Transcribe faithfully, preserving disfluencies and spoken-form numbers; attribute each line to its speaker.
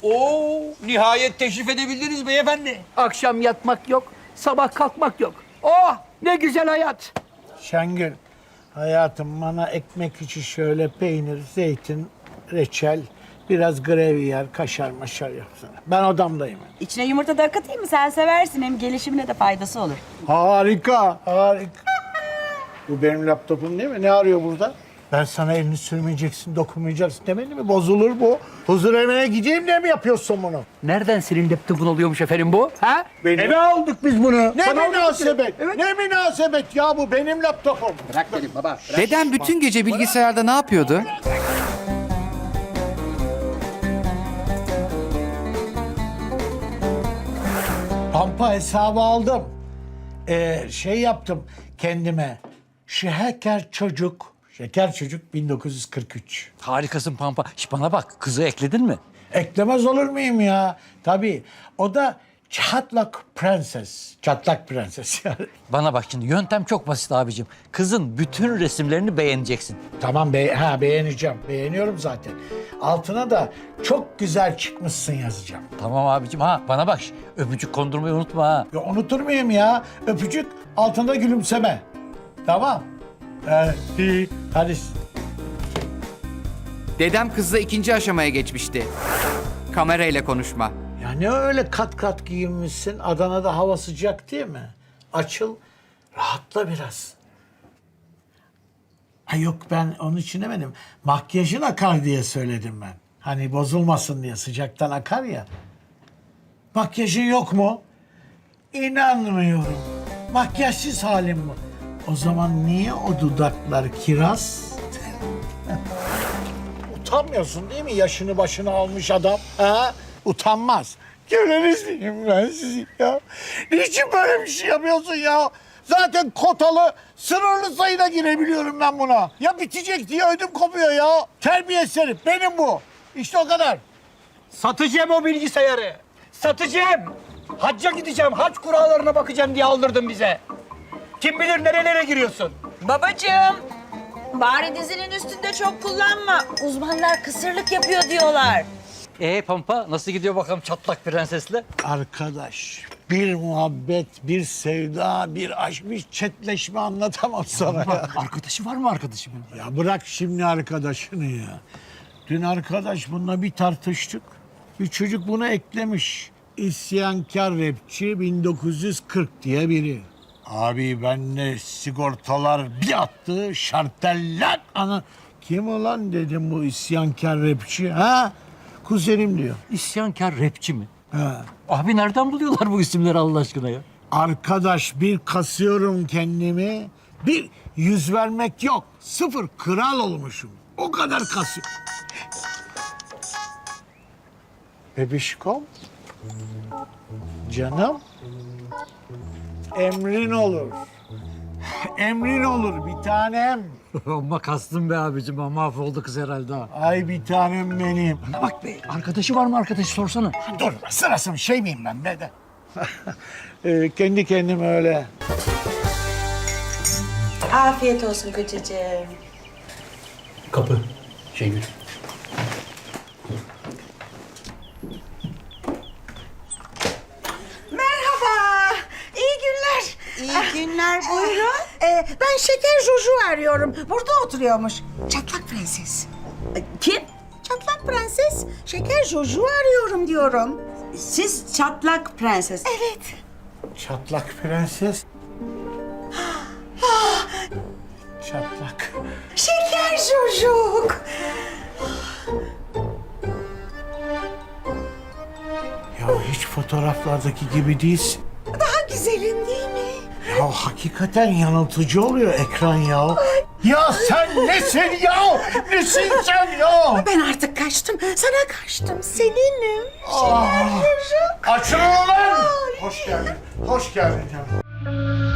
Speaker 1: Oo, nihayet teşrif edebildiniz beyefendi.
Speaker 2: Akşam yatmak yok, sabah kalkmak yok. Oh, ne güzel hayat.
Speaker 3: Şengül, hayatım bana ekmek içi şöyle peynir, zeytin, reçel, biraz gravyer, kaşar maşar yapsana. Ben odamdayım.
Speaker 4: İçine yumurta da akıtayım mı? Sen seversin. Hem gelişimine de faydası olur.
Speaker 3: Harika, harika. Bu benim laptopum değil mi? Ne arıyor burada? Ben sana elini sürmeyeceksin, dokunmayacaksın demedi mi? Bozulur bu. Huzur evine gideyim diye mi yapıyorsun bunu?
Speaker 2: Nereden senin laptopun oluyormuş efendim bu? Ha?
Speaker 3: Benim.
Speaker 2: Eve aldık biz bunu.
Speaker 3: Ne
Speaker 2: Sana
Speaker 3: münasebet?
Speaker 2: Evet.
Speaker 3: Ne münasebet ya, bu benim laptopum.
Speaker 2: Bırak dedim baba. Bırak.
Speaker 5: Dedem bütün gece bilgisayarda ne yapıyordu?
Speaker 3: Pampa hesabı aldım. Ee, şey yaptım kendime. Şeker çocuk. Şeker çocuk bin dokuz yüz kırk üç.
Speaker 1: Harikasın Pampa. Şş, bana bak, kızı ekledin mi?
Speaker 3: Eklemez olur muyum ya? Tabii. O da çatlak prenses. Çatlak prenses yani.
Speaker 1: Bana bak şimdi, yöntem çok basit abicim. Kızın bütün resimlerini beğeneceksin.
Speaker 3: Tamam be ha beğeneceğim. Beğeniyorum zaten. Altına da çok güzel çıkmışsın yazacağım.
Speaker 1: Tamam abicim. Ha bana bak, şş, öpücük kondurmayı unutma ha.
Speaker 3: Ya unutur muyum ya? Öpücük altında gülümseme. Tamam. Hadi. Hadi.
Speaker 5: Dedem kızla ikinci aşamaya geçmişti. Kamerayla konuşma.
Speaker 3: Ya ne öyle kat kat giyinmişsin? Adana'da hava sıcak değil mi? Açıl, rahatla biraz. Ha yok, ben onun için demedim. Makyajın akar diye söyledim ben. Hani bozulmasın diye, sıcaktan akar ya. Makyajın yok mu? İnanmıyorum. Makyajsız halim mi? O zaman niye o dudaklar kiraz? Utanmıyorsun değil mi? Yaşını başını almış adam. Ha? Utanmaz. Göreniz miyim ben sizi ya? Niçin böyle bir şey yapıyorsun ya? Zaten kotalı, sınırlı sayıda girebiliyorum ben buna. Ya bitecek diye ödüm kopuyor ya. Terbiyesiz herif, benim bu. İşte o kadar.
Speaker 2: Satacağım o bilgisayarı. Satacağım. Hacca gideceğim, hac kurallarına bakacağım diye aldırdın bize. Kim bilir nerelere giriyorsun?
Speaker 4: Babacığım, bari dizinin üstünde çok kullanma. Uzmanlar kısırlık yapıyor diyorlar.
Speaker 1: Ee Pampa, nasıl gidiyor bakalım çatlak prensesle?
Speaker 3: Arkadaş, bir muhabbet, bir sevda, bir aşk, bir çetleşme anlatamam sana ya.
Speaker 2: Arkadaşı var mı arkadaşımın?
Speaker 3: Ya bırak şimdi arkadaşını ya. Dün arkadaş bununla bir tartıştık. Bir çocuk bunu eklemiş. İsyankar rapçi bin dokuz yüz kırk diye biri. Abi benle sigortalar bir attı, şarteller ana. Kim ulan dedim bu isyankar rapçi ha? Kuzenim diyor.
Speaker 1: İsyankar rapçi mi?
Speaker 3: Ha.
Speaker 1: Abi nereden buluyorlar bu isimleri Allah aşkına ya?
Speaker 3: Arkadaş bir kasıyorum kendimi. Bir yüz vermek yok. Sıfır kral olmuşum. O kadar kasıyorum. Bebişkom. Canım. Emrin olur. Emrin olur bir tanem.
Speaker 1: Amma kastım be abicim, ama mahvoldu kız herhalde ha.
Speaker 3: Ay bir tanem benim.
Speaker 1: Bak be, arkadaşı var mı arkadaşı sorsana.
Speaker 3: Dur sırası mı, şey miyim ben be de. ee, kendi kendime öyle.
Speaker 4: Afiyet olsun kocacığım.
Speaker 1: Kapı. Şengül.
Speaker 6: Merhaba, iyi günler.
Speaker 4: İyi günler, buyurun.
Speaker 6: Ee, ben Şeker Jojo arıyorum. Burada oturuyormuş. Çatlak Prenses.
Speaker 4: Kim?
Speaker 6: Çatlak Prenses, Şeker Jojo arıyorum diyorum.
Speaker 4: Siz çatlak prenses.
Speaker 6: Evet.
Speaker 3: Çatlak prenses. Çatlak.
Speaker 6: Şeker Jojok.
Speaker 3: Ya hiç fotoğraflardaki gibi değilsin.
Speaker 6: Daha güzelim değil mi?
Speaker 3: Ya hakikaten yanıltıcı oluyor ekran ya. Ya sen nesin ya? Nesin sen ya?
Speaker 6: Ben artık kaçtım. Sana kaçtım. Seninim.
Speaker 3: Ah.
Speaker 6: Şeker Jojok.
Speaker 3: Açılın lan! Hoş geldin. Hoş geldin canım.